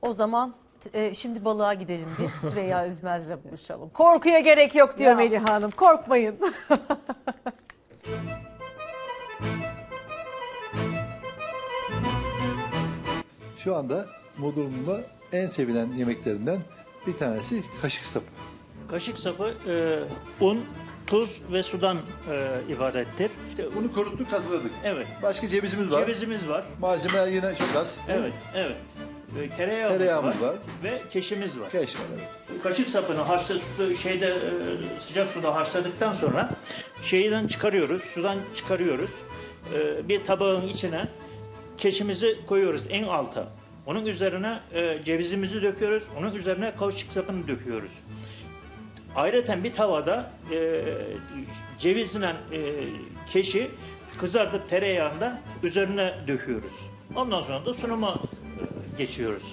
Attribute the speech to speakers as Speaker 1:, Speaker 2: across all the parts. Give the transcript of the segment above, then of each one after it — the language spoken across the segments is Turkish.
Speaker 1: O zaman şimdi balığa gidelim biz. Süreyya Üzmez'le buluşalım. Korkuya gerek yok diyor
Speaker 2: Ya.
Speaker 1: Melih Hanım. Korkmayın.
Speaker 3: Şu anda Bodrum'da en sevilen yemeklerinden bir tanesi kaşık sapı.
Speaker 2: Kaşık sapı un, tuz ve sudan ibarettir. İşte,
Speaker 3: Bunu kuruttuk, hazırladık.
Speaker 2: evet.
Speaker 3: Başka cevizimiz var.
Speaker 2: Cevizimiz var.
Speaker 3: Malzemeler yine çok az.
Speaker 2: Evet, evet. Tereyağımız
Speaker 3: Tereyağımız var.
Speaker 2: ve keşimiz var.
Speaker 3: Keş var, evet.
Speaker 2: Kaşık sapını sıcak suda haşladıktan sonra şeyden çıkarıyoruz, sudan çıkarıyoruz. Bir tabağın içine keşimizi koyuyoruz en alta. Onun üzerine cevizimizi döküyoruz. Onun üzerine kaşık sapını döküyoruz. Ayrıca bir tavada cevizle keşi kızartıp tereyağında üzerine döküyoruz. Ondan sonra da sunuma geçiyoruz.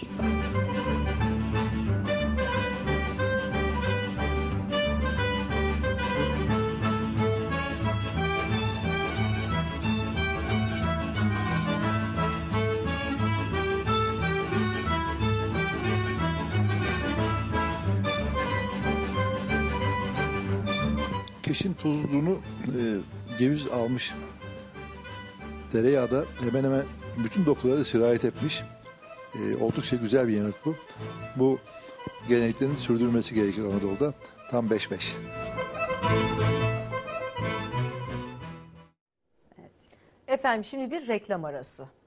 Speaker 3: Keşin tuzluğunu ceviz almış. Tereyağı da hemen hemen bütün dokulara sirayet etmiş. Oldukça güzel bir yemek bu. Bu geleneklerin sürdürülmesi gerekir Anadolu'da. Tam 5-5.
Speaker 1: Efendim şimdi bir reklam arası.